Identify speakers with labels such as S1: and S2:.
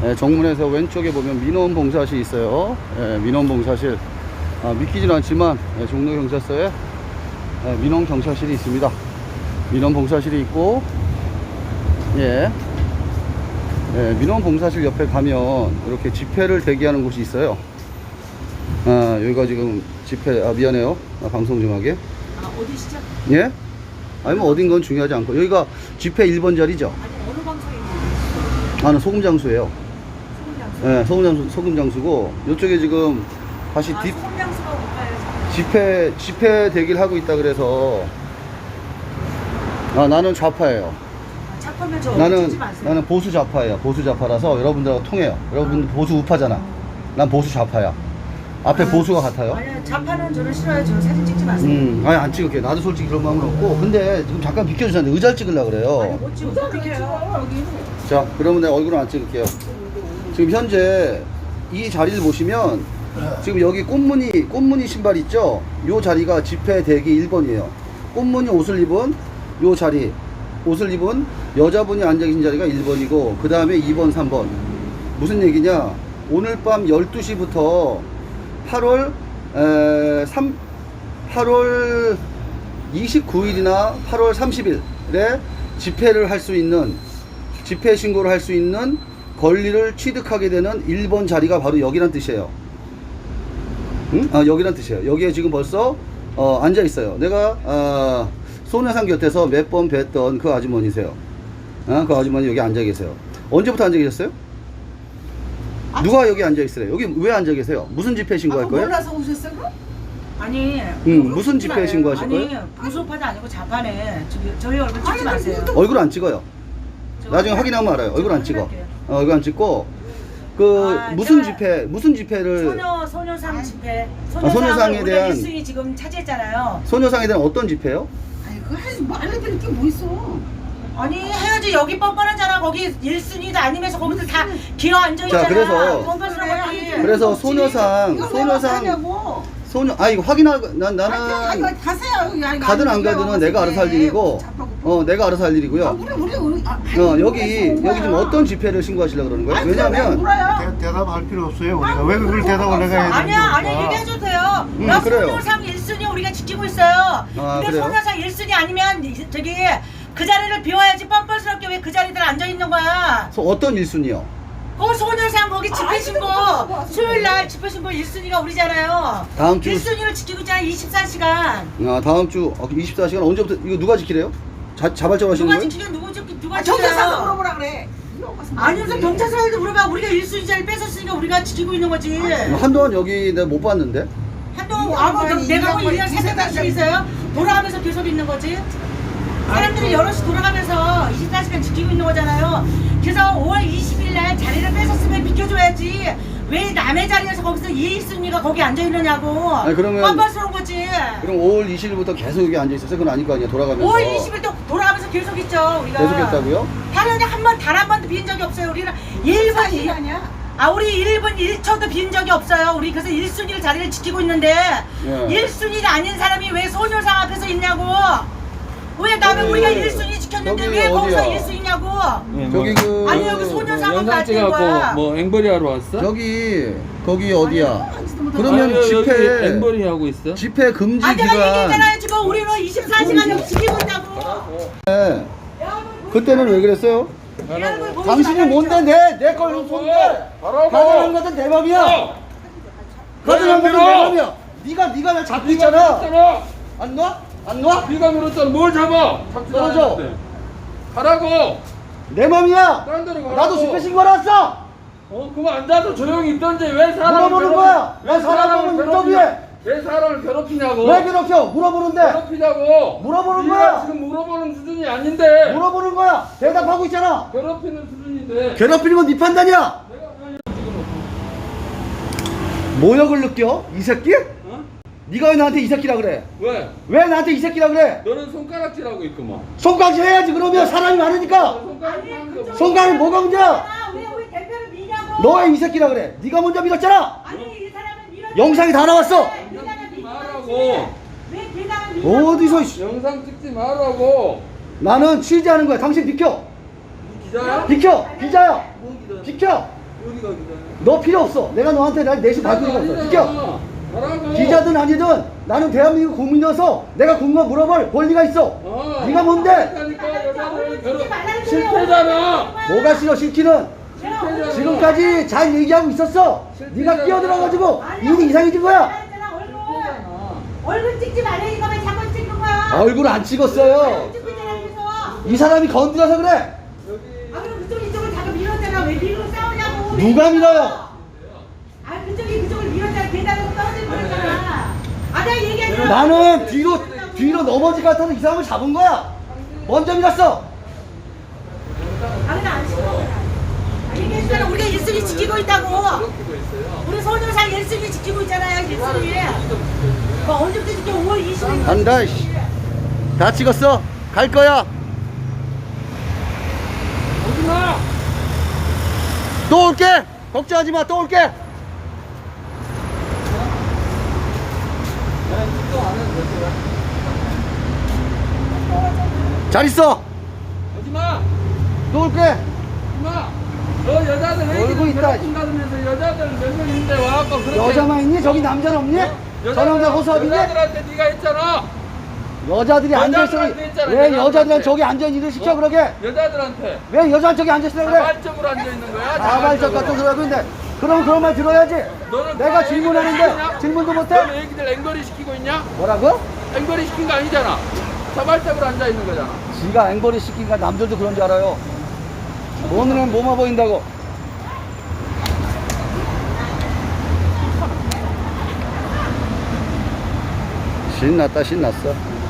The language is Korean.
S1: 정문에서 왼쪽에 보면 민원봉사실이 있어요. 민원봉사실. 믿기지는 않지만 종로경찰서에 민원경찰실이 있습니다. 민원봉사실이 있고, 민원봉사실 옆에 가면 이렇게 집회를 대기하는 곳이 있어요. 여기가 지금 집회, 미안해요. 방송 좀 하게.
S2: 어디시죠?
S1: 예? 아니 뭐 어딘 건 중요하지 않고, 여기가 집회 1번 자리죠?
S2: 아니, 어느 방송인지.
S1: 나는 소금장수예요.
S2: 소금장수.
S1: 소금장수고, 이쪽에 지금 다시
S2: 소금장수가 올까요?
S1: 집회 대기를 하고 있다 그래서, 나는 좌파예요.
S2: 작품을 저 찍지 마세요.
S1: 나는 보수 좌파예요. 보수 좌파라서 여러분들하고 통해요. 여러분 보수 우파잖아. 난 보수 좌파야. 앞에 보수가 같아요.
S2: 아니, 좌파는 저는 싫어요. 저 사진 찍지 마세요.
S1: 아니 안 찍을게. 나도 솔직히 그런 마음은 없고. 근데 지금 잠깐 비켜주셨는데 의자를 찍으려고 그래요.
S2: 아니, 못 찍어. 못 비켜요.
S1: 자, 그러면 내가 얼굴은 안 찍을게요. 지금 현재 이 자리를 보시면 지금 여기 꽃무늬 신발 있죠? 요 자리가 집회 대기 1번이에요. 꽃무늬 옷을 입은 요 자리, 옷을 입은 여자분이 앉아 계신 자리가 1번이고, 그 다음에 2번, 3번. 무슨 얘기냐? 오늘 밤 12시부터 8월 29일이나 8월 30일에 집회를 할 수 있는, 집회 신고를 할 수 있는 권리를 취득하게 되는 1번 자리가 바로 여기란 뜻이에요. 응? 여기란 뜻이에요. 여기에 지금 벌써 앉아 있어요. 내가 손해상 곁에서 몇 번 뵀던 그 아주머니세요. 그 아주머니 여기 앉아 계세요. 언제부터 앉아 계셨어요? 누가 여기 앉아 있으래요? 여기 왜 앉아 계세요? 무슨 집회 신고할 거예요?
S2: 몰라서 오셨어요? 아니.
S1: 무슨 집회 신고하실 거예요?
S2: 아니, 보수파도 아니고 좌파네. 저희 얼굴 찍지 마세요.
S1: 얼굴 안 찍어요. 나중에 확인하면 알아요. 얼굴 안 찍어. 얼굴 안 찍고, 무슨 집회를.
S2: 소녀상 집회.
S1: 소녀상에 대한.
S2: 1순위 지금 차지했잖아요.
S1: 소녀상에 대한 어떤 집회요?
S3: 아니 그거 하지 뭐 알려드릴 게 뭐 있어.
S2: 아니 해야지. 여기 뻔뻔하잖아. 거기 1순위도 아니면서 거기서 다 기어 앉아있잖아.
S1: 자, 그래서 소녀상 이거 확인하고, 나는
S3: 가세요.
S1: 가든 안 가든은 내가 알아서 할 일이고, 내가 알아서 할 일이고요. 여기 지금 어떤 집회를 신고하시려고 그러는 거예요? 왜냐면
S4: 대답할 필요 없어요. 우리가 왜 그걸 대답을 내가 해야 되는
S2: 아니야 얘기해줘도 돼요. 나
S1: 그래요.
S2: 소녀상 1순위 우리가 지키고 있어요. 근데
S1: 그래요?
S2: 소녀상 1순위 아니면 저기 그 자리를 비워야지. 뻔뻔스럽게 왜 그 자리들 앉아있는 거야.
S1: 어떤 1순위요?
S2: 소녀상 거기 집회 신고 수요일날 집회 신고 1순위가 우리잖아요.
S1: 다음 주
S2: 1순위를 지키고 있잖아. 24시간.
S1: 다음 주 24시간 언제부터 이거 누가 지키래요? 자발적으로 하시는
S2: 누가
S1: 거예요?
S2: 지키면 누가
S3: 경찰서
S2: 지켜요?
S3: 물어보라 그래.
S2: 아니 무슨 경찰서에도 물어봐. 우리가 1순위 자리 뺏었으니까 우리가 지키고 있는 거지.
S1: 한동안 여기 내가 못 봤는데.
S2: 한동안 내가 뭐 1년 살짝 수 있어요? 돌아가면서 계속 있는 거지. 사람들이 여럿이 돌아가면서 24시간 지키고 있는 거잖아요. 그래서 5월 20일 날 자리를 뺏었으면 비켜줘야지. 왜 남의 자리에서 거기서 1순위가 거기 앉아있느냐고.
S1: 아니, 그러면
S2: 뻔뻔스러운 거지.
S1: 그럼 5월 20일부터 계속 여기 앉아 있었어요? 그건 아닐 거 아니에요. 돌아가면서.
S2: 5월 20일도 돌아가면서 계속 있죠. 우리가
S1: 계속했다고요?
S2: 8년에 단 한 번도 빈 적이 없어요. 우리는 1분
S3: 아니야?
S2: 우리 1분 1초도 빈 적이 없어요. 우리 그래서 1순위를 자리를 지키고 있는데 1순위가 아닌 사람이 왜 소녀상 앞에서 있냐고. 왜 나는 우리가 1순위 지켰는데 왜 거기서 1순위냐고.
S1: 저기
S2: 아니 여기 소녀상은
S5: 영상
S2: 맞는 거야.
S5: 찍어갖고 뭐 앵벌이 하러 왔어?
S1: 거기 어디야? 그러면
S5: 아니, 여기
S1: 집회
S5: 앵벌이 하고 있어?
S1: 집회 금지
S2: 내가
S1: 기간.
S2: 얘기했잖아요. 지금 우리는 24시간 여기 지키고 있다고.
S1: 네. 그때는 왜 그랬어요?
S2: 내 얼굴 보이지
S1: 당신이
S2: 말라고
S1: 뭔데 내걸 손대? 가져간 것은 내 맘이야. 가져간 것은 내 맘이야. 네가 날 잡고 있잖아. 안 놔? 안 놔?
S5: 네가 물었잖아. 뭘 잡아?
S1: 떨어져.
S5: 가라고.
S1: 내 맘이야.
S5: 딴 데로 가라고.
S1: 나도 집회 신고하러 왔어.
S5: 그거 앉아서 조용히 있던지 왜 사람을
S1: 물어보는 거야. 왜 사람을 인터뷰해?
S5: 왜 사람을 괴롭히냐고.
S1: 왜 괴롭혀? 물어보는데.
S5: 괴롭히냐고.
S1: 물어보는
S5: 네가
S1: 거야.
S5: 지금 물어보는 수준이 아닌데.
S1: 물어보는 거야. 대답하고 있잖아.
S5: 괴롭히는 수준인데.
S1: 괴롭히는 건 네 판단이야. 모욕을 느껴? 이 새끼? 네가 왜 나한테 이 새끼라 그래?
S5: 왜?
S1: 왜 나한테 이 새끼라 그래?
S5: 너는 손가락질하고 있구만.
S1: 손가락질 해야지. 그러면 사람이 많으니까. 손가락이 뭐가 문제야?
S2: 왜 우리 대표를 미냐고.
S1: 너 왜 이 새끼라 그래? 네가 먼저 밀었잖아.
S2: 아니 이 사람은 밀어.
S1: 영상이 다 나왔어.
S5: 말하고.
S2: 왜 계단을 밀어?
S1: 어디서 씨.
S5: 영상 찍지 말라고.
S1: 나는 취재하는 거야. 당신 비켜.
S5: 기자야?
S1: 비켜. 기자야. 비켜.
S5: 어디가 기자야?
S1: 너 필요 없어. 내가 너한테 날 내심 받을 필요가 없어. 비켜.
S5: 가라고.
S1: 기자든 아니든 나는 대한민국 국민이어서 내가 궁금한 물어볼 권리가 있어. 네가 뭔데?
S5: 그러니까 여자들 결혼
S2: 말라는
S5: 실패잖아.
S1: 뭐가 싫어 싫기는. 지금까지 잘 얘기하고 있었어. 네가 끼어들어가지고 일이 이상해진 거야.
S2: 얼굴 찍지 말래 이거만 자꾸 찍는 거야.
S1: 얼굴 안 찍었어요.
S2: 찍고 있잖아 그래서.
S1: 이 사람이 건드려서 그래.
S2: 아 그럼 그쪽 이쪽을 자꾸 밀었잖아. 왜 밀고 싸우냐고.
S1: 누가 밀어요?
S2: 아 그쪽이 그쪽을 밀었잖아. 계단으로 떨어질 뻔했잖아. 아 내가 얘기하지.
S1: 나는 뒤로 넘어질 것 같아서 이 사람을 잡은 거야. 먼저 밀었어.
S2: 아 근데 안 싫어. 얘기했잖아. 우리가 1순위 지키고 있다고. 우리 서울도사 1순위 지키고 있잖아요. 1순위. 뭐 언제부터 지켜? 5월 20일.
S1: 간다. 씨. 다 찍었어. 갈 거야.
S5: 오지마.
S1: 또 올게. 걱정하지 마. 또 올게. 잘 있어.
S5: 오지마.
S1: 또 올게.
S5: 오지마. 너 여자들 왜
S1: 얼굴
S5: 이렇게
S1: 있다.
S5: 괴롭힌 다면서 여자들 몇 명 있는데 와갖고 그렇게
S1: 여자만 있니? 저기 남자는 없니? 저 남자 호수아비니?
S5: 여자들한테 네가 했잖아.
S1: 여자들이 앉아있어.
S5: 여자들한테 했잖아,
S1: 왜
S5: 여자들한테.
S1: 여자들은 저기 앉아있는 일을 시켜 그러게?
S5: 여자들한테
S1: 왜 여자는 저기 앉아있으라 그래?
S5: 자발적으로 앉아 있는 거야.
S1: 자발적 같은 소리 하고 있는데 그럼 그런 말 들어야지.
S5: 너는
S1: 내가
S5: 그
S1: 질문하는데
S5: 애기들
S1: 질문도
S5: 너는
S1: 못해?
S5: 애기들 앵벌이 시키고 있냐?
S1: 뭐라고?
S5: 앵벌이 시킨 거 아니잖아. 자발적으로 앉아 있는 거잖아.
S1: 지가 앵벌이 시키니까 남들도 그런 줄 알아요. 오늘은 뭐만 보인다고. 신났다 신났어.